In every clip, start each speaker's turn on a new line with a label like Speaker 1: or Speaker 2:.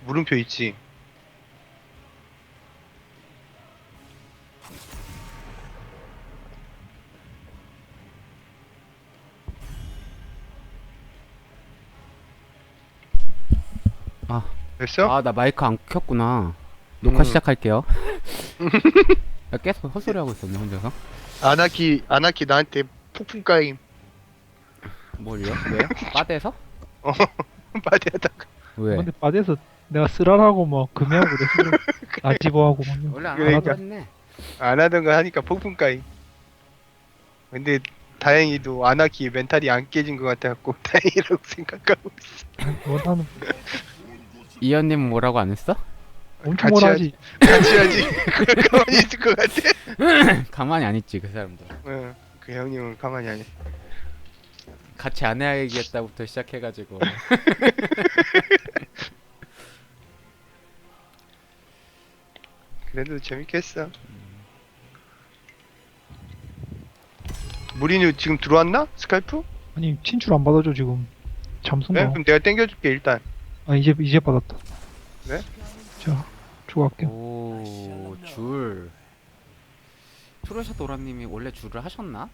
Speaker 1: 물음표 있지.
Speaker 2: 아,
Speaker 1: 됐어?
Speaker 2: 아, 나 마이크 안 켰구나. 녹화
Speaker 1: 음.
Speaker 2: 시작할게요. 야, 계속 헛소리 하고 있었네, 혼자서.
Speaker 1: 아나키 나한테 폭풍 까임.
Speaker 2: 뭘요? 왜? 빠대서?
Speaker 1: 어, 빠디하다가.
Speaker 2: 왜?
Speaker 3: 근데 바디에서 내가 쓰라라고 뭐 금해하고 그랬어. 아집어하고 막
Speaker 2: 원래 안
Speaker 1: 그러니까.
Speaker 2: 하던 거 했네.
Speaker 1: 안 하던 거 하니까 폭풍 까임. 근데 다행히도 아나키 멘탈이 안 깨진 것 같아갖고 다행이라고 생각하고 있어.
Speaker 3: 원하는
Speaker 2: 이현님은 뭐라고 안 했어?
Speaker 3: 엄청
Speaker 1: 같이
Speaker 3: 뭐라 하지.
Speaker 1: 같이 하지. 가만히 있을 것 같아.
Speaker 2: 가만히 안 있지, 그 사람들.
Speaker 1: 응, 그 형님은 가만히 안 있어.
Speaker 2: 같이 안 해야겠다부터 시작해가지고.
Speaker 1: 그래도 재밌겠어. 무리뉴 지금 들어왔나? 스카이프?
Speaker 3: 아니 친출 안 받아줘 지금.
Speaker 1: 네?
Speaker 3: 잠수인가?
Speaker 1: 그럼 내가 땡겨줄게 일단.
Speaker 3: 아 이제 받았다.
Speaker 1: 네?
Speaker 3: 자 추가할게요.
Speaker 2: 오, 줄. 트로샤 도라님이 원래 줄을 하셨나?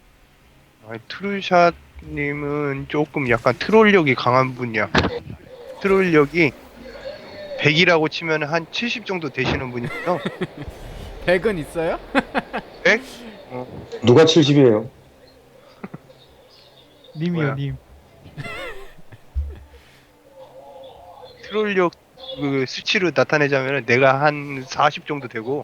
Speaker 1: 트루샷님은 조금 약간 트롤력이 강한 분이야. 트롤력이 100이라고 치면 한 70 정도 되시는 분이죠.
Speaker 2: 100은 있어요?
Speaker 1: 100?
Speaker 4: 누가 70이에요?
Speaker 3: 님이요
Speaker 1: 뭐야?
Speaker 3: 님.
Speaker 1: 트롤력 그 수치로 나타내자면 내가 한 40 정도 되고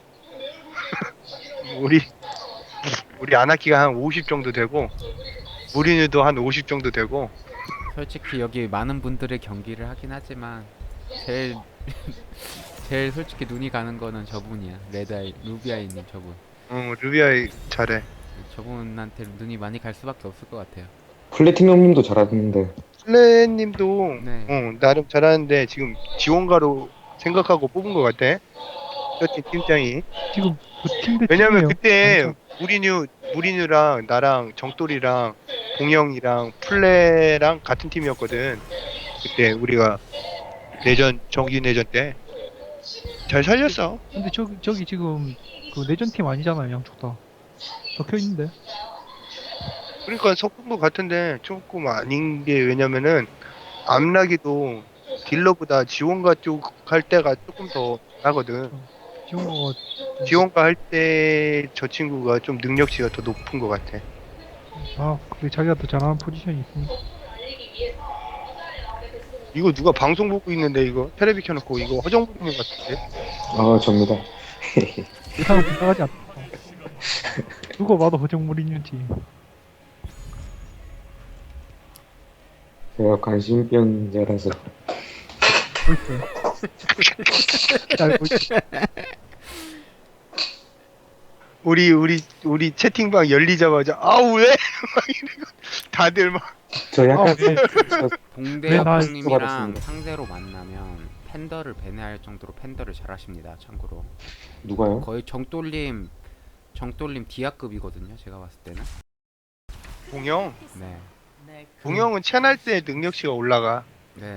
Speaker 1: 우리 아나키가 한 50 정도 되고 무리뉴도 한 50 정도 되고.
Speaker 2: 솔직히 여기 많은 분들의 경기를 하긴 하지만 제일 제일 솔직히 눈이 가는 거는 저분이야. 레드아이 루비아이님 저분.
Speaker 1: 루비아이 잘해.
Speaker 2: 저분한테 눈이 많이 갈 수밖에 없을 것 같아요.
Speaker 4: 플래티넘 형님도 잘하는데.
Speaker 1: 플레님도
Speaker 2: 네.
Speaker 1: 나름 잘하는데 지금 지원가로 생각하고 뽑은 것 같아. 저팀 팀장이.
Speaker 3: 지금 그 팀대
Speaker 1: 왜냐면
Speaker 3: 팀이에요.
Speaker 1: 그때
Speaker 3: 완전.
Speaker 1: 무리뉴랑 나랑 정돌이랑 봉영이랑 플레랑 같은 팀이었거든. 그때 우리가 내전 정기 내전 때 잘 살렸어.
Speaker 3: 근데 저기 지금 그 내전 팀 아니잖아요 양쪽 다. 적혀 있는데.
Speaker 1: 그러니까 섞은 것 같은데 조금 아닌 게 왜냐면은 암락이도 딜러보다 지원가 쪽 할 때가 조금 더 나거든.
Speaker 3: 지원거가
Speaker 1: 지원가 할 때 저 친구가 좀 능력치가 더 높은 것 같아.
Speaker 3: 아 그게 자기가 더 잘하는 포지션이 있으니까.
Speaker 1: 이거 누가 방송 보고 있는데 이거 테레비 켜놓고 이거 허정부님 같은데?
Speaker 4: 아, 접니다.
Speaker 3: 예상을 부탁하지 않다. 누가 봐도 허정물이는지.
Speaker 4: 제가 관심병자라서.
Speaker 3: 벌써. 알고 있지.
Speaker 1: 우리 채팅방 열리자마자 아우 왜? 막 이러고 다들 막
Speaker 4: 저 약간
Speaker 3: 아, 네.
Speaker 2: 봉대
Speaker 3: 왜 나-
Speaker 2: 형님이랑
Speaker 4: 받았습니다.
Speaker 2: 상대로 만나면 팬더를 배내할 정도로 팬더를 잘하십니다. 참고로
Speaker 4: 누가요?
Speaker 2: 거의 정돌림 디아급이거든요. 제가 봤을 때는.
Speaker 1: 봉영
Speaker 2: 네.
Speaker 1: 봉영은 채널 때 능력치가 올라가.
Speaker 2: 네.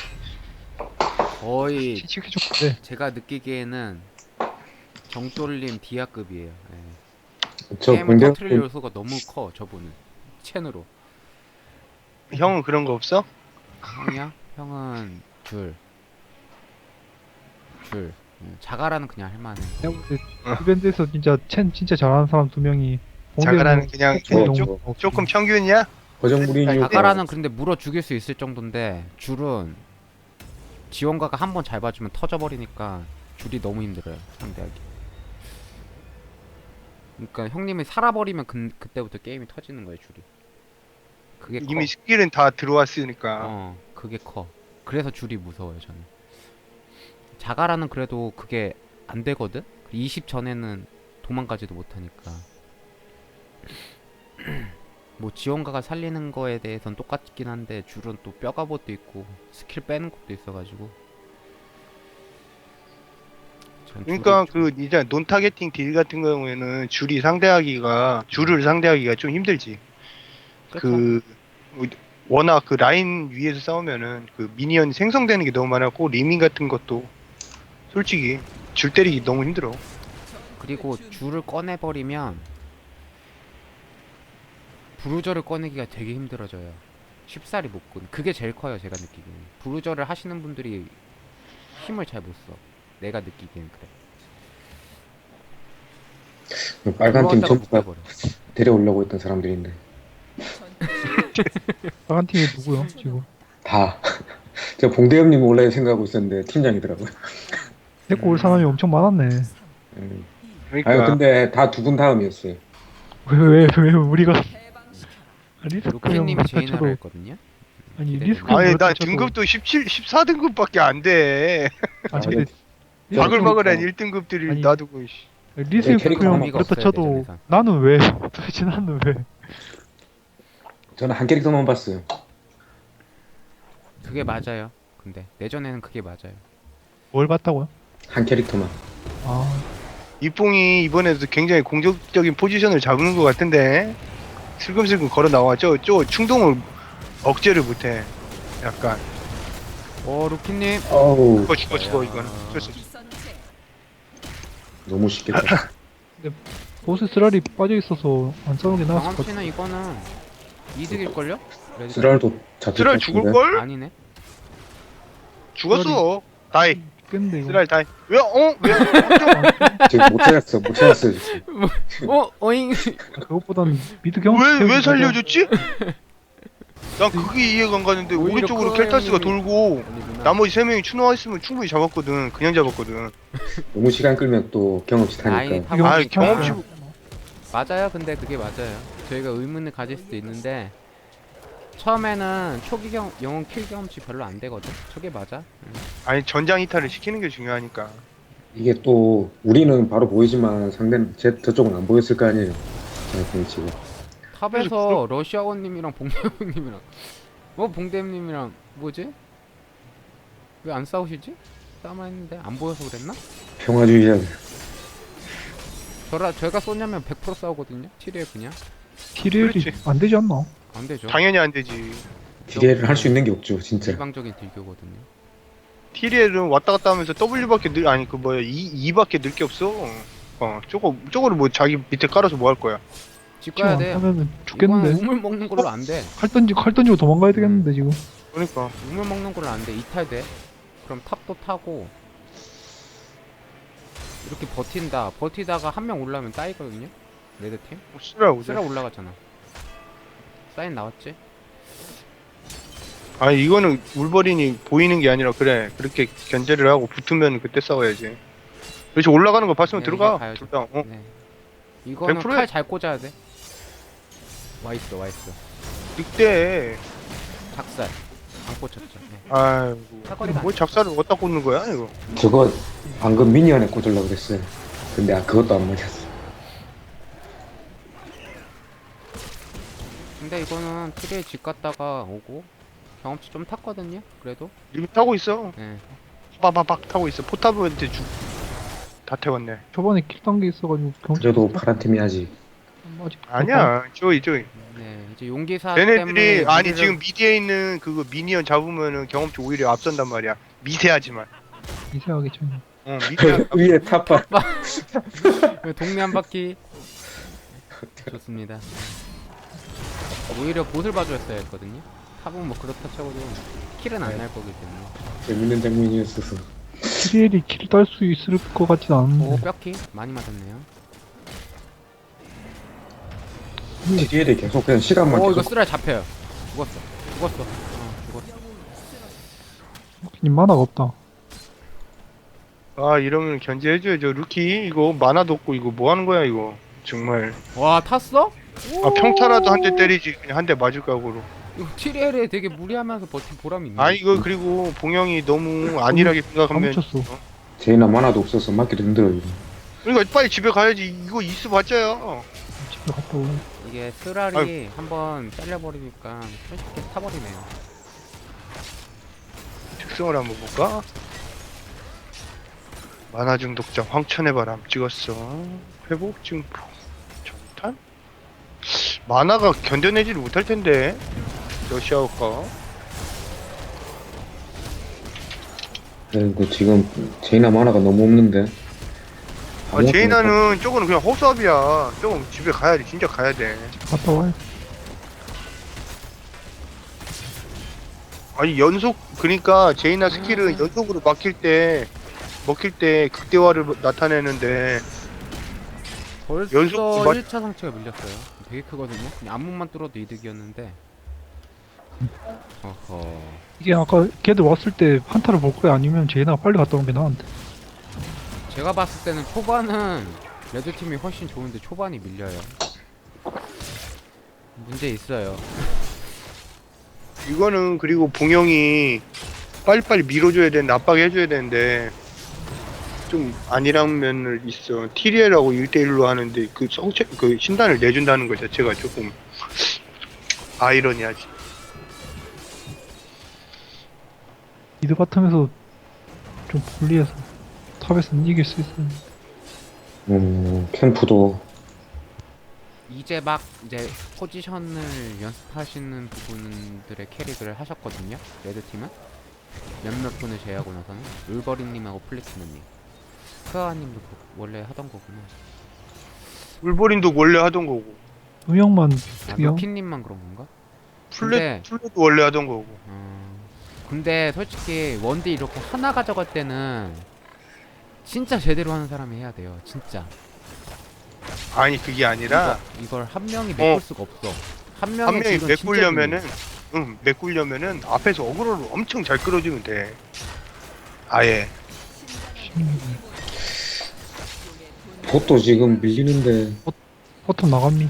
Speaker 2: 거의
Speaker 3: 시키해줬는데
Speaker 2: 제가 느끼기에는 정돌림 디아급이에요. 네.
Speaker 4: 저
Speaker 2: 게임을
Speaker 4: 공대
Speaker 2: 터트릴 요소가 너무 커 저분은 첸으로.
Speaker 1: 형은 그런 거 없어?
Speaker 2: 형이야? 형은 줄. 자가라는 그냥 할만해.
Speaker 3: 내가 볼때 이벤트에서 진짜 진짜 잘하는 사람 두 명이
Speaker 1: 자가라는 그냥
Speaker 4: 뭐,
Speaker 1: 조금 평균이야?
Speaker 4: 고정무리뉴
Speaker 2: 자가라는 근데 물어 죽일 수 있을 정도인데 줄은 지원가가 한 번 잘 봐주면 터져버리니까 줄이 너무 힘들어요 상대하기. 그러니까 형님이 살아버리면 그때부터 게임이 터지는 거예요 줄이. 그게 커.
Speaker 1: 이미 스킬은 다 들어왔으니까.
Speaker 2: 그게 커. 그래서 줄이 무서워요 저는. 자가라는 그래도 그게 안 되거든. 20 전에는 도망가지도 못하니까. 뭐 지원가가 살리는 거에 대해선 똑같긴 한데 줄은 또 뼈가봇도 있고 스킬 빼는 것도 있어가지고. 전
Speaker 1: 그러니까
Speaker 2: 줄이
Speaker 1: 그 이제 논 타겟팅 딜 같은 경우에는 줄을 상대하기가 좀 힘들지.
Speaker 2: 그쵸?
Speaker 1: 그 워낙 그 라인 위에서 싸우면은 그 미니언 생성되는 게 너무 많았고 리밍 같은 것도 솔직히 줄 때리기 너무 힘들어.
Speaker 2: 그리고 줄을 꺼내버리면 브루저를 꺼내기가 되게 힘들어져요. 쉽사리 못 꺼내. 그게 제일 커요, 제가 느끼기에는. 브루저를 하시는 분들이 힘을 잘 못 써. 내가 느끼기엔 그래.
Speaker 4: 빨간 팀
Speaker 2: 들어왔다가
Speaker 4: 전부 다
Speaker 2: 묶여버려.
Speaker 4: 데려오려고 했던 사람들인데
Speaker 3: 빨간 팀이 누구요 지금?
Speaker 4: 다. 제가 봉대엽님 원래 생각하고 있었는데 팀장이더라고요.
Speaker 3: 데리고 올 사람이 엄청 많았네.
Speaker 1: 그러니까
Speaker 4: 아유 근데 다 두 분 다음이었어요.
Speaker 3: 왜 우리가 리스크
Speaker 2: 루피님이 제인하라
Speaker 3: 형도
Speaker 2: 했거든요.
Speaker 3: 아니
Speaker 2: 기대되네.
Speaker 3: 리스크
Speaker 1: 아니 나
Speaker 3: 저도-
Speaker 1: 등급도 14등급밖에 안 돼.
Speaker 3: 아니
Speaker 4: 아,
Speaker 3: 근데
Speaker 4: 네.
Speaker 1: 바글바글한
Speaker 4: 어.
Speaker 1: 1등급들이
Speaker 3: 아니,
Speaker 1: 놔두고 씨.
Speaker 3: 리스크
Speaker 4: 캐릭터
Speaker 3: 형
Speaker 2: 의미가
Speaker 3: 그렇다
Speaker 2: 없어요,
Speaker 3: 쳐도
Speaker 2: 내전에선.
Speaker 3: 나는 왜 도대체 나는 왜
Speaker 4: 저는 한 캐릭터만 봤어요.
Speaker 2: 그게 맞아요. 근데 내전에는 그게 맞아요.
Speaker 3: 뭘 봤다고요?
Speaker 4: 한 캐릭터만.
Speaker 3: 아
Speaker 1: 이뽕이 이번에도 굉장히 공격적인 포지션을 잡는 것 같은데 슬금슬금 걸어 나왔죠. 저 충동을 억제를 못해. 약간
Speaker 2: 루키님.
Speaker 4: 어우
Speaker 1: 죽어 이거는. 어쩔 수 없어.
Speaker 4: 너무 쉽겠다.
Speaker 3: 보스 쓰라리 빠져 있어서 안 싸우는 게 나았을 것 같아.
Speaker 2: 경험치는 이거는 이득일걸요? 레드-
Speaker 4: 쓰랄도 잡힐
Speaker 1: 쓰랄
Speaker 4: 것
Speaker 1: 죽을
Speaker 4: 같은데.
Speaker 1: 걸?
Speaker 2: 아니네.
Speaker 1: 죽었어. 다이.
Speaker 3: 깼는데 이거.
Speaker 1: 쓰랄 다이. 왜? 왜?
Speaker 4: 지금 못 찾았어요. 지금.
Speaker 2: 어잉.
Speaker 3: 그것보다는 미드 경험.
Speaker 1: 왜 살려줬지? 난 그게 이해가 안 가는데
Speaker 2: 오히려
Speaker 1: 오른쪽으로
Speaker 2: 크로아
Speaker 1: 켈타스가
Speaker 2: 형님이-
Speaker 1: 돌고
Speaker 2: 아니구나.
Speaker 1: 나머지 3명이 추노와 있으면 충분히 잡았거든. 그냥 잡았거든.
Speaker 4: 너무 시간 끌면 또 경험치
Speaker 2: 라인이
Speaker 4: 타니까.
Speaker 2: 타고
Speaker 1: 아,
Speaker 2: 있으니까.
Speaker 1: 경험치
Speaker 2: 맞아요. 근데 그게 맞아요. 저희가 의문을 가질 수도 있는데 처음에는 초기 영웅 킬 경험치 별로 안 되거든. 저게 맞아.
Speaker 1: 아니 전장 이탈을 시키는 게 중요하니까.
Speaker 4: 이게 또 우리는 바로 보이지만 상대는 저쪽은 안 보였을 거 아니에요. 저희 지금.
Speaker 2: 탑에서 러시아원님이랑 봉대님이랑 봉대님이랑 뭐지? 왜 안 싸우시지? 싸움만 했는데 안 보여서 그랬나?
Speaker 4: 평화주의자.
Speaker 2: 제가 쏘냐면 100% 싸우거든요. 7일 그냥
Speaker 3: 티레일이
Speaker 1: 그렇지.
Speaker 3: 안 되지 않나?
Speaker 2: 안 되죠.
Speaker 1: 당연히 안 되지.
Speaker 4: 기대를 할 수 있는 게 없죠, 진짜.
Speaker 2: 일방적인 딜교거든요.
Speaker 1: TL은 왔다 갔다 하면서 W밖에 아니 그 뭐야 2밖에 늘 게 없어. 저거를 뭐 자기 밑에 깔아서 뭐 할 거야.
Speaker 2: 집 가야 돼.
Speaker 3: 하면은
Speaker 2: 이거는
Speaker 3: 죽겠는데.
Speaker 2: 우물 먹는 걸로 안 돼.
Speaker 3: 칼 던지고 도망가야 되겠는데 지금.
Speaker 1: 그러니까
Speaker 2: 우물 먹는 걸로 안 돼. 이탈돼. 그럼 탑도 타고 이렇게 버틴다. 버티다가 한 명 올라오면 따이거든요. 레드팀.
Speaker 1: 쓰라고.
Speaker 2: 쓰라 올라갔잖아. 사인 나왔지?
Speaker 1: 아니 이거는 울버린이 보이는 게 아니라 그래 그렇게 견제를 하고 붙으면 그때 싸워야지. 그렇지 올라가는 거 봤으면
Speaker 2: 네,
Speaker 1: 들어가.
Speaker 2: 이게 가야죠.
Speaker 1: 둘 다.
Speaker 2: 네. 이거는
Speaker 1: 100% 야.
Speaker 2: 칼 잘 꽂아야 돼. 와 있어.
Speaker 1: 늑대.
Speaker 2: 작살. 안 꽂혔죠. 네.
Speaker 1: 아이고.
Speaker 2: 사거리가
Speaker 1: 뭐 작사를 어디다 꽂는 거야 이거.
Speaker 4: 저거 방금 미니언에 꽂으려고 그랬어요. 근데 그것도 안 맞았어.
Speaker 2: 근데 이거는 트리에 집 갔다가 오고 경험치 좀 탔거든요. 그래도.
Speaker 1: 이미 타고 있어.
Speaker 2: 네.
Speaker 1: 빠바박 타고 있어. 포탑한테 다 태웠네.
Speaker 3: 저번에 킬 단계 있어가지고 경치.
Speaker 4: 그래도 파란 팀이 아직.
Speaker 3: 아직
Speaker 1: 아니야. 조이.
Speaker 2: 네. 이제 용기사
Speaker 1: 얘네들이
Speaker 2: 때문에
Speaker 1: 아니
Speaker 2: 미드를-
Speaker 1: 지금 미디에 있는 그거 미니언 잡으면은 경험치 오히려 앞선단 말이야. 미세하지만.
Speaker 3: 미세하게 좀.
Speaker 1: 미세한.
Speaker 4: 위에 탑바.
Speaker 2: 동네 한 바퀴. 좋습니다. 오히려 보슬 봐줬어야 했거든요. 탑은 뭐 그렇다 쳐도 킬은 안 날 거기 때문에.
Speaker 4: 재밌는 장면이었어서.
Speaker 3: 티레일이 킬 딸 수 있을 것 같진
Speaker 2: 오
Speaker 3: 않은데.
Speaker 2: 뼈키 많이 맞았네요.
Speaker 4: TDL이 계속 그냥 시간만
Speaker 2: 오 이거
Speaker 4: 계속
Speaker 2: 쓰라 잡혀요. 죽었어. 죽었어.
Speaker 3: 님 만화가 없다.
Speaker 1: 아 이러면 견제해줘야죠. 루키 이거 만화도 없고 이거 뭐 하는 거야 이거. 정말.
Speaker 2: 와 탔어?
Speaker 1: 아 평타라도 한 대 때리지. 그냥 한 대 맞을 각오로.
Speaker 2: 이거 TL에 되게 무리하면서 버틴 보람이 있네.
Speaker 1: 아니 이거 그리고 봉영이 너무 안일하게
Speaker 3: 다
Speaker 1: 생각하면.
Speaker 3: 묻혔어.
Speaker 4: 제이나 만화도 없어서 맞기도 힘들어요. 이거.
Speaker 1: 그러니까 빨리 집에 가야지. 이거 이스 봤자요.
Speaker 3: 집에 갔다 오고.
Speaker 2: 이게 쓰라리 한번 잘려버리니까 손쉽게 타버리네요.
Speaker 1: 특성을 한번 볼까? 만화 중독자 황천의 바람 찍었어. 회복 증폭. 정탄? 만화가 견뎌내지를 못할 텐데. 러시아어가.
Speaker 4: 근데 지금 제이나 만화가 너무 없는데.
Speaker 1: 아, 제이나는 저거는 그냥 허수아비야. 저거 집에 가야 돼. 진짜 가야 돼.
Speaker 3: 갔다 와요.
Speaker 1: 아니, 연속, 그러니까 제이나 스킬은 연속으로 먹힐 때 극대화를 나타내는데,
Speaker 2: 벌써
Speaker 1: 연속 맞-
Speaker 2: 1차 상체가 밀렸어요. 되게 크거든요. 그냥 앞문만 뚫어도 이득이었는데. 어허.
Speaker 3: 이게 아까 걔들 왔을 때 한타를 볼 거야? 아니면 제이나가 빨리 갔다 오는 게 나은데?
Speaker 2: 제가 봤을 때는 초반은 레드팀이 훨씬 좋은데 초반이 밀려요. 문제 있어요.
Speaker 1: 이거는 그리고 봉영이 빨리빨리 밀어줘야 되는데, 압박해줘야 되는데, 좀 아니란 면을 있어. TDL하고 1대1로 하는데, 그 신단을 내준다는 것 자체가 조금 아이러니하지.
Speaker 3: 미드 바텀에서 좀 불리해서 탑에서는 이길 수 있어요.
Speaker 4: 캠프도
Speaker 2: 이제 막 이제 포지션을 연습하시는 부분들의 캐릭을 하셨거든요. 레드팀은 몇몇 분을 제외하고 나서는 울버린님하고 플래티넘님, 크아님도 원래 하던 거구나.
Speaker 1: 울버린도 원래 하던 거고,
Speaker 3: 두 명만
Speaker 2: 아,
Speaker 3: 투영?
Speaker 2: 루키님만 그런 건가? 근데-
Speaker 1: 플레도 원래 하던 거고.
Speaker 2: 근데 솔직히 원딜 이렇게 하나 가져갈 때는 진짜 제대로 하는 사람이 해야 돼요. 진짜.
Speaker 1: 아니, 그게 아니라,
Speaker 2: 이걸 한 명이 메꿀 수가 없어. 한 명의
Speaker 1: 한 명이
Speaker 2: 딜은 진짜
Speaker 1: 메꾸려면은, 메꾸려면은 앞에서 어그로를 엄청 잘 끌어주면 돼. 아예.
Speaker 4: 봇도 지금 밀리는데.
Speaker 3: 바텀 나갑니?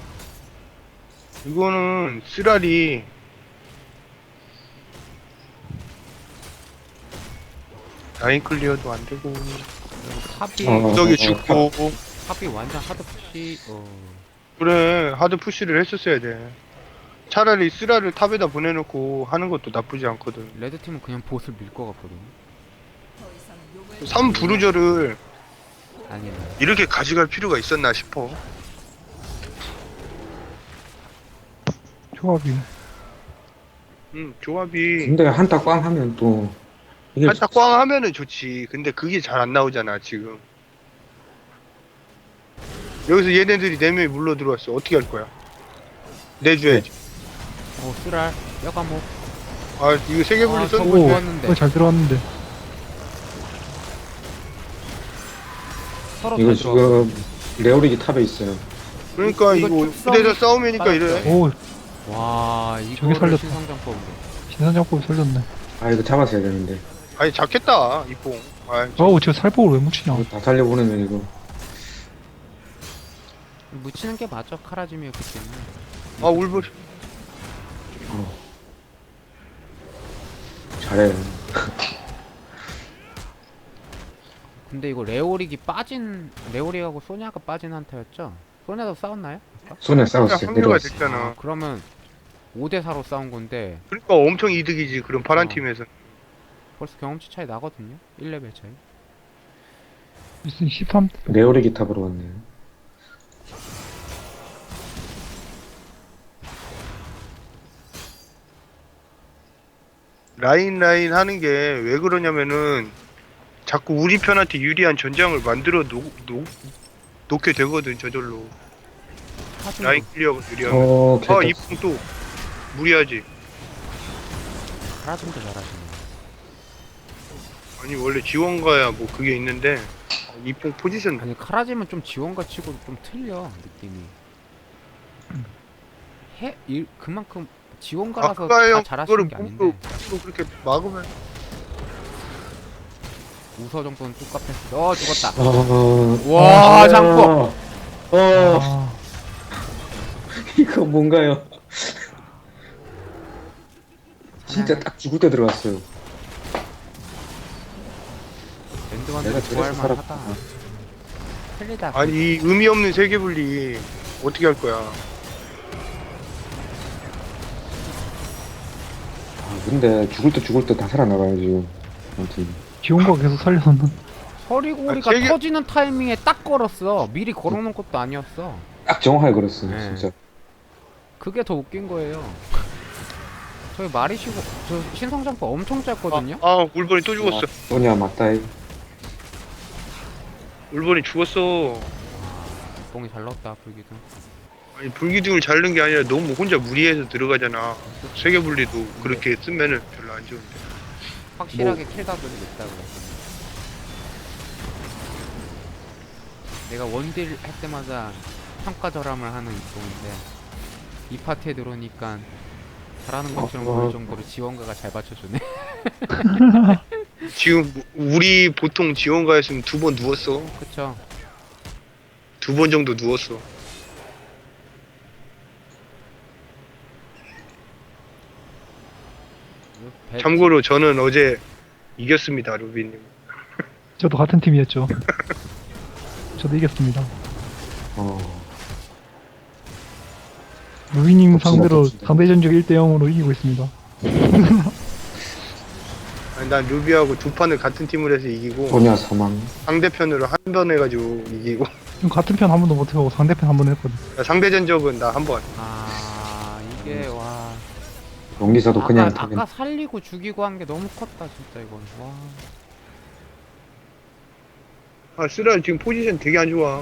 Speaker 1: 이거는 쓰라리 라인 클리어도 안 되고,
Speaker 2: 탑이
Speaker 1: 구석이 죽고,
Speaker 2: 탑이 완전 하드 푸시.
Speaker 1: 그래, 하드 푸시를 했었어야 돼. 차라리 쓰라를 탑에다 보내놓고 하는 것도 나쁘지 않거든.
Speaker 2: 레드팀은 그냥 보스를 밀 것 같거든.
Speaker 1: 3 부르저를
Speaker 2: 아니면
Speaker 1: 이렇게 가져갈 필요가 있었나 싶어.
Speaker 3: 조합이.
Speaker 1: 조합이
Speaker 4: 근데 한타 꽝 하면 또 이게
Speaker 1: 살짝 꽝 하면은 좋지. 근데 그게 잘 안 나오잖아, 지금. 여기서 얘네들이 4명이 물러 들어왔어. 어떻게 할 거야? 내줘야지.
Speaker 2: 쓰랄 뼈가목.
Speaker 1: 아, 이거 세계 분리
Speaker 2: 저거
Speaker 1: 썼는데.
Speaker 2: 좋았는데
Speaker 3: 그거 잘 들어왔는데.
Speaker 2: 서로
Speaker 4: 이거
Speaker 2: 잘 들어가고.
Speaker 4: 지금 레오릭이 탑에 있어요.
Speaker 1: 그러니까
Speaker 2: 이거
Speaker 1: 이거
Speaker 2: 축성
Speaker 1: 부대에서 싸우면니까 이래.
Speaker 3: 오,
Speaker 2: 와
Speaker 3: 저기
Speaker 2: 이거를
Speaker 3: 살렸다.
Speaker 2: 신성장법으로.
Speaker 3: 신선장법 살렸네.
Speaker 4: 아 이거 잡았어야 되는데.
Speaker 1: 아니, 작겠다, 이뽕. 아,
Speaker 3: 어우, 저 살폭을 왜 묻히냐.
Speaker 4: 이거 다 살려보내면 이거.
Speaker 2: 묻히는 게 맞아. 카라짐이었기 때문에.
Speaker 1: 울버린.
Speaker 4: 잘해.
Speaker 2: 근데 이거 레오릭하고 소냐가 빠진 한타였죠? 소냐도 싸웠나요?
Speaker 4: 손에 싸웠어요.
Speaker 1: 합류가
Speaker 4: 내려왔어.
Speaker 1: 됐잖아.
Speaker 2: 그러면 5대4로 싸운 건데
Speaker 1: 그러니까 엄청 이득이지, 그런 파란
Speaker 2: 어.
Speaker 1: 팀에서.
Speaker 2: 벌써 경험치 차이 나거든요? 1레벨 차이.
Speaker 3: 무슨 13,
Speaker 4: 레오릭이 탑으로 왔네.
Speaker 1: 라인 하는 게 왜 그러냐면은 자꾸 우리 편한테 유리한 전장을 만들어 놓게 되거든, 저절로. 라인 클리어가 유리하면.
Speaker 4: 개떡.
Speaker 1: 이풍 또 무리하지.
Speaker 2: 카라짐도 잘하시네.
Speaker 1: 아니, 원래 지원가야 뭐 그게 있는데 이풍 포지션
Speaker 2: 아니 카라짐은 좀 지원가 치고 좀 틀려 느낌이. 그만큼 지원가라서
Speaker 1: 아까
Speaker 2: 다
Speaker 1: 형
Speaker 2: 잘하시는
Speaker 1: 그거를
Speaker 2: 게 아닌데
Speaker 1: 또 그렇게 막으면
Speaker 2: 우서 정도는 뚝갑했어. 죽었다.
Speaker 4: 와,
Speaker 2: 와 장법.
Speaker 3: 아,
Speaker 4: 이거 뭔가요? 진짜 딱 죽을 때 들어갔어요.
Speaker 2: 랜드만도
Speaker 4: 내가
Speaker 2: 좋아할
Speaker 4: 저래서
Speaker 2: 만하다.
Speaker 4: 살았구나.
Speaker 2: 틀리다.
Speaker 1: 아니, 이 의미 없는 세계 분리 어떻게 할 거야?
Speaker 4: 근데 죽을 때 다 살아나가요 지금. 아무튼
Speaker 3: 지원과 계속 살려놓는.
Speaker 2: 서리고리가
Speaker 1: 세계-
Speaker 2: 터지는 타이밍에 딱 걸었어. 미리 걸어놓은 것도 아니었어.
Speaker 4: 딱 정확하게 걸었어요
Speaker 2: 네.
Speaker 4: 진짜.
Speaker 2: 그게 더 웃긴 거예요. 저기 마리시고 저 신성장포 엄청 짧거든요.
Speaker 1: 울버린 또 죽었어.
Speaker 4: 소냐 맞다.
Speaker 1: 울버린 죽었어.
Speaker 2: 뽕이 잘 넣었다 불기둥.
Speaker 1: 아니 불기둥을 자르는 게 아니라 너무 혼자 무리해서 들어가잖아. 세계분리도 그렇게 쓰면은 별로 안 좋은데.
Speaker 2: 확실하게 킬각을 냈다 그래. 내가 원딜 할 때마다 평가 절함을 하는 이동인데 이 파티에 들어오니까 잘하는 것처럼 보일 정도로 지원가가 잘 받쳐주네.
Speaker 1: 지금 우리 보통 지원가였으면 2번 누웠어.
Speaker 2: 그쵸?
Speaker 1: 2번 정도 누웠어. 참고로 저는 어제 이겼습니다, 루비님.
Speaker 3: 저도 같은 팀이었죠. 저도 이겼습니다. 루이님
Speaker 4: 덕분에
Speaker 3: 상대로
Speaker 4: 덕분에.
Speaker 3: 상대 전적 1대 0으로 이기고 있습니다.
Speaker 1: 아니, 난 루비하고 2판을 같은 팀을 해서 이기고
Speaker 4: 소냐 사망.
Speaker 1: 상대편으로 한 번 해가지고 이기고
Speaker 3: 지금 같은 편 한 번도 못해보고 상대편 한 번 했거든.
Speaker 1: 상대 전적은 나 한 번.
Speaker 2: 이게 와
Speaker 4: 용기사도 그냥 타긴.
Speaker 2: 아까 살리고 죽이고 한 게 너무 컸다 진짜 이건. 와
Speaker 1: 쓰라 지금 포지션 되게 안 좋아.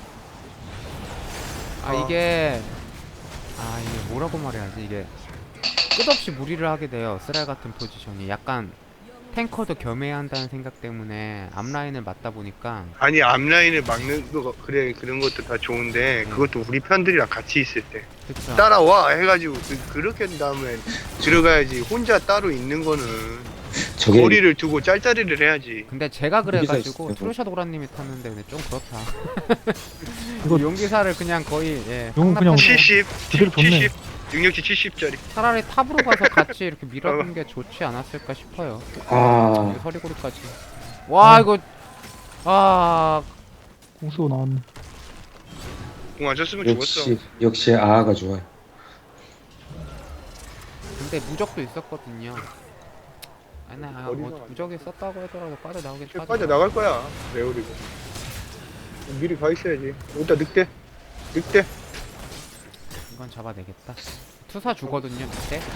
Speaker 2: 이게 뭐라고 말해야지. 이게 끝없이 무리를 하게 돼요. 쓰랄 같은 포지션이 약간 탱커도 겸해야 한다는 생각 때문에 앞라인을 맞다 보니까.
Speaker 1: 아니 앞라인을 막는 거 그래 그런 것도 다 좋은데 그것도 우리 편들이랑 같이 있을 때
Speaker 2: 그쵸?
Speaker 1: 따라와 해가지고 그렇게 한 다음에 들어가야지. 혼자 따로 있는 거는
Speaker 4: 저게
Speaker 1: 거리를 두고 짤짤이를 해야지.
Speaker 2: 근데 제가 그래가지고
Speaker 4: 있어요.
Speaker 2: 트루샤 도라님이 탔는데 근데 좀 그렇다.
Speaker 3: 이거
Speaker 2: 용기사를 그냥 거의
Speaker 3: 용은 그냥
Speaker 2: 상납해서
Speaker 1: 70,
Speaker 3: 그대로 좋네.
Speaker 1: 70, 능력치 70짜리.
Speaker 2: 차라리 탑으로 가서 같이 이렇게 밀어주는 게 좋지 않았을까 싶어요.
Speaker 4: 아
Speaker 2: 서리고리까지. 와 이거
Speaker 3: 공수고 나왔네.
Speaker 1: 공 안 쳤으면 죽었어.
Speaker 4: 역시 아가 좋아요.
Speaker 2: 근데 무적도 있었거든요.
Speaker 1: 어디서
Speaker 2: 무적이 썼다고 하더라도 빠져나오긴
Speaker 1: 빠져 나갈 거야. 레오리고. 미리 가 있어야지. 여기다 늑대.
Speaker 2: 이건 잡아내겠다. 투사 주거든요 밑에 대신.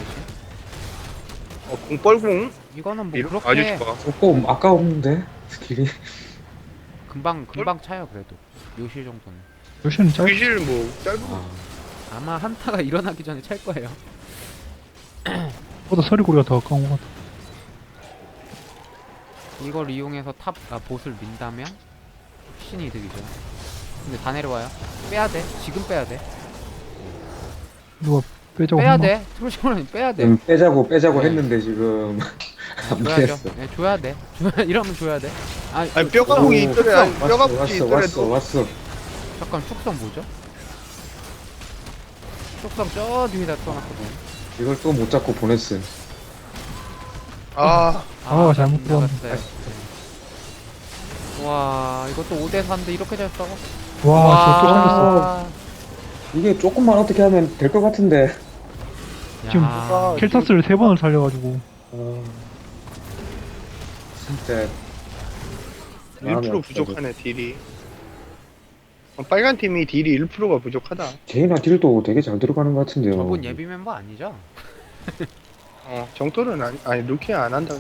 Speaker 1: 공 뻘궁.
Speaker 2: 이거는 뭐
Speaker 1: 밀어? 아주
Speaker 2: 그렇게
Speaker 1: 좋아.
Speaker 4: 조금 아까웠는데 스킬이.
Speaker 2: 금방 차요 그래도. 요실 정도는.
Speaker 3: 요시는 짧.
Speaker 1: 귀실 뭐 짧은 거.
Speaker 2: 아마 한타가 일어나기 전에 찰 거예요.
Speaker 3: 보다 서리고리가 더 가까운 것 같아.
Speaker 2: 이걸 이용해서 보스를 민다면 훨씬 이득이죠. 근데 다 내려와요. 빼야 돼. 지금 빼야 돼.
Speaker 3: 누가 빼자고
Speaker 2: 빼야
Speaker 3: 했나?
Speaker 2: 돼. 트루시오라니 빼야 돼.
Speaker 4: 빼자고
Speaker 2: 네.
Speaker 4: 했는데 지금 안
Speaker 2: 줘야죠.
Speaker 4: 됐어.
Speaker 2: 네, 줘야 돼. 이러면 줘야 돼.
Speaker 1: 아니 뼈가공이 있더라. 뼈가공이
Speaker 4: 왔어
Speaker 1: 있더라도.
Speaker 2: 잠깐 축성 뭐죠? 축성 저 뒤에다 써놨거든.
Speaker 4: 이걸 또 못 잡고 보냈어요.
Speaker 3: 잘못
Speaker 2: 나갔어요. 네. 와 이것도 5대4인데 이렇게 잘 싸워?
Speaker 3: 와, 저또 생겼어.
Speaker 4: 이게 조금만 어떻게 하면 될 것 같은데.
Speaker 3: 지금
Speaker 2: 야,
Speaker 3: 켈타스를 3번을 살려가지고.
Speaker 4: 진짜
Speaker 1: 1% 부족하네 딜이. 빨간 팀이 딜이 1%가 부족하다.
Speaker 4: 제이나 딜도 되게 잘 들어가는 것 같은데요.
Speaker 2: 저분 예비 멤버 아니죠?
Speaker 1: 정토는 아니 루키야 안 한다.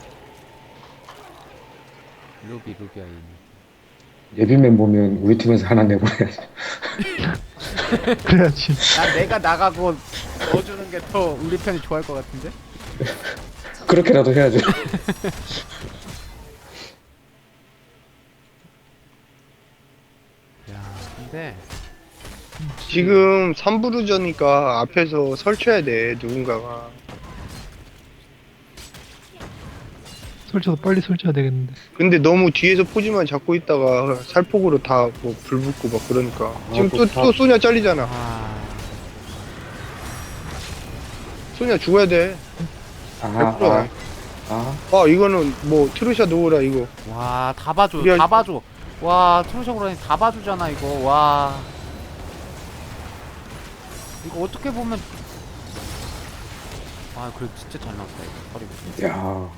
Speaker 2: 루비아인.
Speaker 4: 예비맨 보면 우리 팀에서 하나 내보내야지.
Speaker 3: 그래야지.
Speaker 2: 내가 나가고 넣어주는 게 더 우리 편이 좋아할 것 같은데?
Speaker 4: 그렇게라도 해야죠.
Speaker 2: 야 근데
Speaker 1: 지금 3부르저니까 앞에서 설쳐야 돼 누군가가.
Speaker 3: 설쳐서 빨리 설쳐야 되겠는데.
Speaker 1: 근데 너무 뒤에서 포지만 잡고 있다가 살폭으로 다 뭐 불 붙고 막 그러니까. 지금 또 소냐 잘리잖아. 소냐 죽어야 돼. 100%야. 이거는 뭐 트루샤 놓으라 이거.
Speaker 2: 와 다 봐줘
Speaker 1: 우리
Speaker 2: 다 봐줘. 와 트루셔그라니 다 봐주잖아 이거. 와 이거 어떻게 보면 그래 진짜 잘 나왔다 이거.
Speaker 4: 야.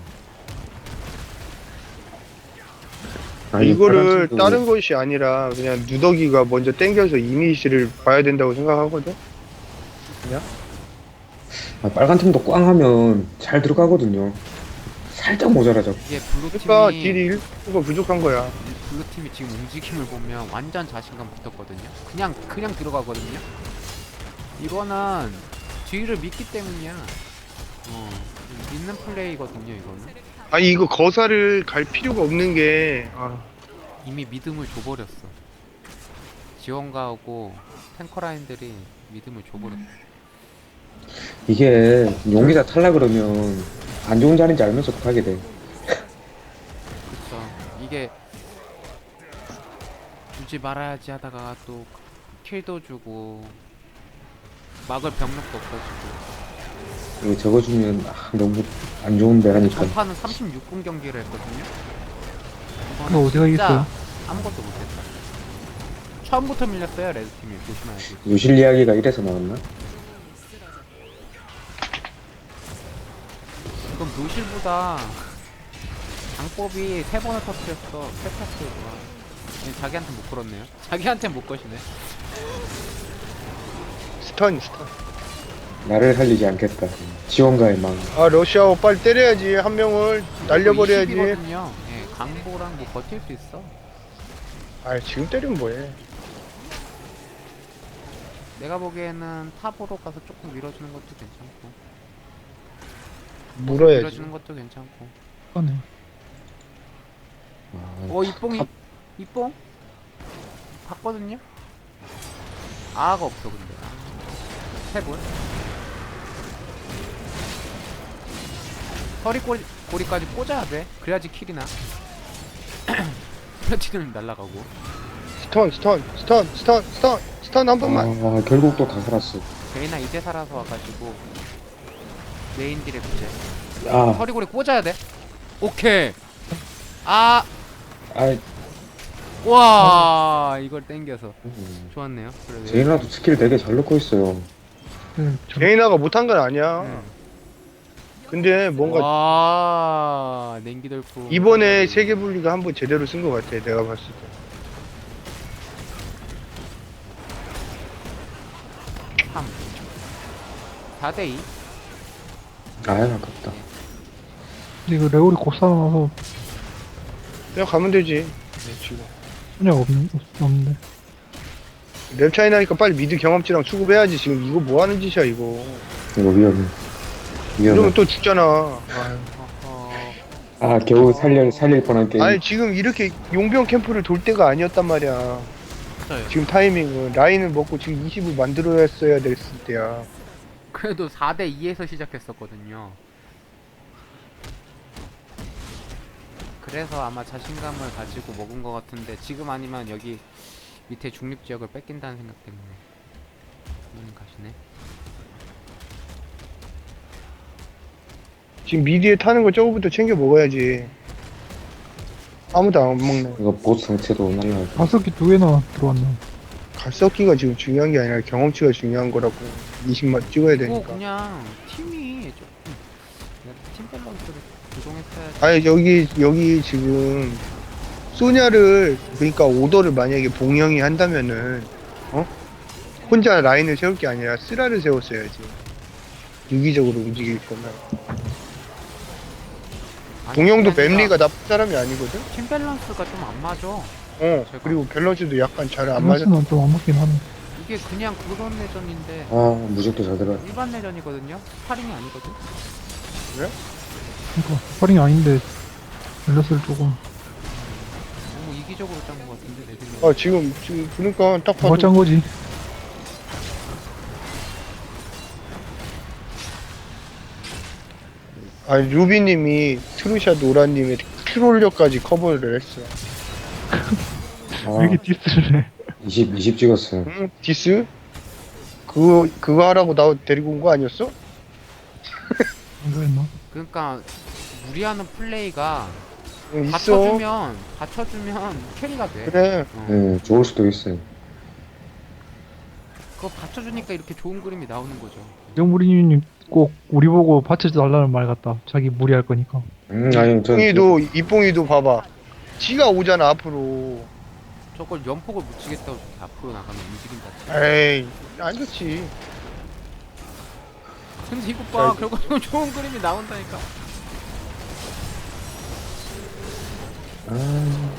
Speaker 1: 이거를 다른 것이 아니라 그냥 누더기가 먼저 땡겨서 이니시를 봐야 된다고 생각하거든.
Speaker 4: 아, 빨간 팀도 꽝 하면 잘 들어가거든요. 살짝 모자라죠.
Speaker 2: 이게 블루
Speaker 1: 그러니까
Speaker 2: 팀이
Speaker 1: 딜이 1%가 부족한 거야.
Speaker 2: 블루 팀이 지금 움직임을 보면 완전 자신감 붙었거든요. 그냥 들어가거든요. 이거는 뒤를 믿기 때문이야. 믿는 플레이거든요. 이거는
Speaker 1: 아니 이거 거사를 갈 필요가 없는 게
Speaker 2: 이미 믿음을 줘버렸어. 지원가하고 탱커 라인들이 믿음을 줘버렸어.
Speaker 4: 이게 용기사 탈라 그러면 안 좋은 자리인지 알면서 하게 돼.
Speaker 2: 그쵸. 이게 주지 말아야지 하다가 또 킬도 주고 막을 병력도 없어지고.
Speaker 4: 이거 적어주면 너무 안 좋은데 하니까.
Speaker 2: 전파는 36분 경기를 했거든요.
Speaker 3: 이거 어디가 이겼어요?
Speaker 2: 아무것도 못했다. 처음부터 밀렸어요. 레드팀이. 조심해야지.
Speaker 4: 요실 이야기가 이래서 나왔나?
Speaker 2: 그럼 노실보다 장법이 3번을 터뜨렸어. 세타스가 자기한테 못 걸었네요. 자기한테 못 거시네.
Speaker 1: 스턴.
Speaker 4: 나를 살리지 않겠다. 지원가의 망.
Speaker 1: 러시아워 빨리 때려야지. 한 명을 날려버려야지.
Speaker 2: 20이거든요. 예, 강보랑 뭐 버틸 수 있어.
Speaker 1: 지금 때리면 뭐해.
Speaker 2: 내가 보기에는 탑으로 가서 조금 밀어주는 것도 괜찮고.
Speaker 1: 물어야지.
Speaker 2: 밀어주는 것도 괜찮고.
Speaker 3: 하네.
Speaker 4: 아,
Speaker 2: 이뽕이 이뽕 봤거든요. 아가 없어 근데. 해볼. 허리 꼬리까지 꽂아야 돼. 그래야지 킬이나. 플래티넘 날라가고.
Speaker 1: 스턴 한 번만.
Speaker 4: 결국 또 다 살았어.
Speaker 2: 제이나 이제 살아서 와가지고 메인 딜에 부재.
Speaker 4: 아,
Speaker 2: 허리고리 꽂아야 돼. 오케이. 아,
Speaker 4: 아,
Speaker 2: 와, 이걸 땡겨서 좋았네요. 그래도
Speaker 4: 제이나도 스킬 되게 잘 넣고 있어요.
Speaker 3: 네,
Speaker 1: 제이나가 못한 건 아니야.
Speaker 2: 네.
Speaker 1: 근데 뭔가
Speaker 2: 와, 냉기돌프.
Speaker 1: 이번에 세계 분리가 한번 제대로 쓴 것 같아. 내가 봤을 때.
Speaker 2: 3 4대2.
Speaker 4: 아깝다.
Speaker 3: 근데 이거 레오리 곧 살아나서
Speaker 1: 그냥 가면 되지. 지금.
Speaker 3: 소녀가 없는데.
Speaker 1: 랩 차이 나니까 빨리 미드 경험치랑 수급해야지. 지금 이거 뭐 하는 짓이야 이거.
Speaker 4: 이거 위험해.
Speaker 1: 이러면 또 죽잖아.
Speaker 2: 어허.
Speaker 4: 겨우 살릴 뻔한 게임.
Speaker 1: 아니 지금 이렇게 용병 캠프를 돌 때가 아니었단 말이야.
Speaker 2: 맞아요.
Speaker 1: 지금 타이밍은 라인을 먹고 지금 20을 만들어야 됐을 때야.
Speaker 2: 그래도 4대2에서 시작했었거든요. 그래서 아마 자신감을 가지고 먹은 것 같은데 지금 아니면 여기 밑에 중립지역을 뺏긴다는 생각 때문에 가시네.
Speaker 1: 지금 미디에 타는 거 저거부터 챙겨 먹어야지. 아무도 안 먹네.
Speaker 4: 이거 보스 상체도 날라가.
Speaker 3: 가습기 2개나 들어왔네.
Speaker 1: 갈썩기가 지금 중요한 게 아니라 경험치가 중요한 거라고. 20만 찍어야
Speaker 2: 그거
Speaker 1: 되니까.
Speaker 2: 그냥 팀이 조금 팀 밸런스를 조정했어야지.
Speaker 1: 아니 여기 지금 소냐를 그러니까 오더를 만약에 봉영이 한다면은 혼자 라인을 세울 게 아니라 쓰라를 세웠어야지. 유기적으로 움직일 거면. 봉영도 맵리가 나쁜 사람이 아니거든.
Speaker 2: 팀 밸런스가 좀 안 맞아.
Speaker 1: 그리고 밸런스도 약간 잘 안 맞아.
Speaker 3: 밸런스는 좀 안 맞긴 하네.
Speaker 2: 이게 그냥 그런 내전인데
Speaker 4: 무적도 잘 들어.
Speaker 2: 일반 내전이거든요. 스파링이 아니거든.
Speaker 3: 그러니까 스파링이 아닌데 밸런스를 조금
Speaker 2: 너무 이기적으로 짠 것 같은데 내 생각에.
Speaker 1: 지금 그러니까 딱 봐도
Speaker 3: 뭐 짠 거지.
Speaker 1: 루비님이 트루샤 노라님의 트롤력까지 커버를 했어.
Speaker 3: 왜 이렇게 디스를 해.
Speaker 4: 20 찍었어요.
Speaker 1: 응? 디스? 그거 하라고 나 데리고 온 거 아니었어?
Speaker 3: 안 그랬나?
Speaker 2: 그러니까 무리하는 플레이가
Speaker 1: 응, 있어.
Speaker 2: 받쳐주면 캐리가 돼.
Speaker 1: 그래.
Speaker 4: 네, 좋을 수도 있어요.
Speaker 2: 그거 받쳐주니까 이렇게 좋은 그림이 나오는 거죠.
Speaker 3: 영무리님 꼭 우리 보고 받쳐달라는 말 같다. 자기 무리할 거니까.
Speaker 4: 아니,
Speaker 1: 이뽕이도 봐봐. 지가 오잖아 앞으로.
Speaker 2: 저걸 연폭을 묻히겠다고 저렇게 앞으로 나가면 움직인다.
Speaker 1: 에이 안 좋지.
Speaker 2: 근데 이거 봐, 결국은 좋은 그림이 나온다니까.
Speaker 4: 아,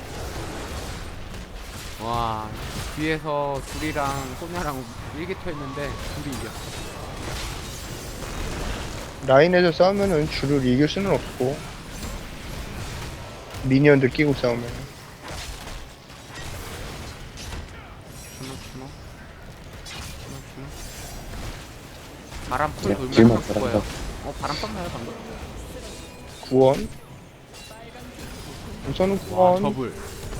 Speaker 2: 와, 뒤에서 둘이랑 소녀랑 일기토했는데 둘이 이겨.
Speaker 1: 라인에서 싸우면은 줄을 이길 수는 없고 미니언들 끼고 싸우면
Speaker 2: 주노 주노 주노 주노. 바람 풀
Speaker 4: 야,
Speaker 2: 돌면
Speaker 4: 길만
Speaker 2: 한번 죽어요.
Speaker 4: 잘한다.
Speaker 2: 바람 떴나요 방금?
Speaker 1: 구원 우선은
Speaker 2: 와,
Speaker 1: 구원
Speaker 2: 저불.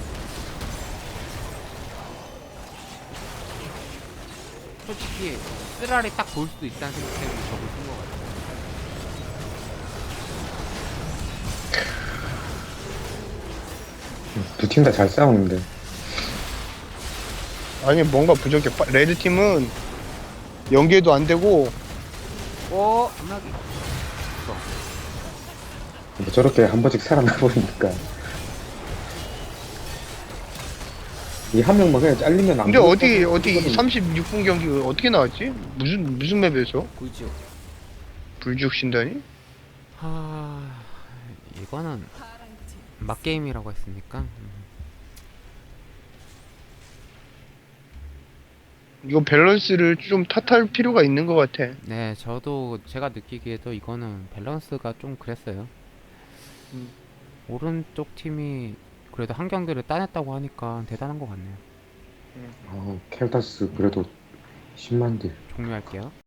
Speaker 2: 솔직히 쓰라리 딱 볼 수도 있다는 생각 때문에 저불 쓴거 같아요.
Speaker 4: 두 팀 다 잘 싸우는데.
Speaker 1: 아니 뭔가 부족해 레드 팀은 연계도 안 되고
Speaker 2: 오, 암락이.
Speaker 4: 뭐 저렇게 한 번씩 살아나버리니까. 이 한 명만 그냥 잘리면 안
Speaker 1: 근데
Speaker 4: 보일
Speaker 1: 어디
Speaker 4: 것
Speaker 1: 어디
Speaker 4: 같거든.
Speaker 1: 36분 경기 어떻게 나왔지? 무슨 맵에서
Speaker 2: 보이죠?
Speaker 1: 불지옥 신단이?
Speaker 2: 하... 이거는 막게임이라고 했으니까
Speaker 1: 이거 밸런스를 좀 탓할 필요가 있는 것 같아.
Speaker 2: 네, 저도 제가 느끼기에도 이거는 밸런스가 좀 그랬어요. 오른쪽 팀이 그래도 한 경기를 따냈다고 하니까 대단한 것 같네요.
Speaker 4: 켈타스 그래도 10만 딜.
Speaker 2: 종료할게요.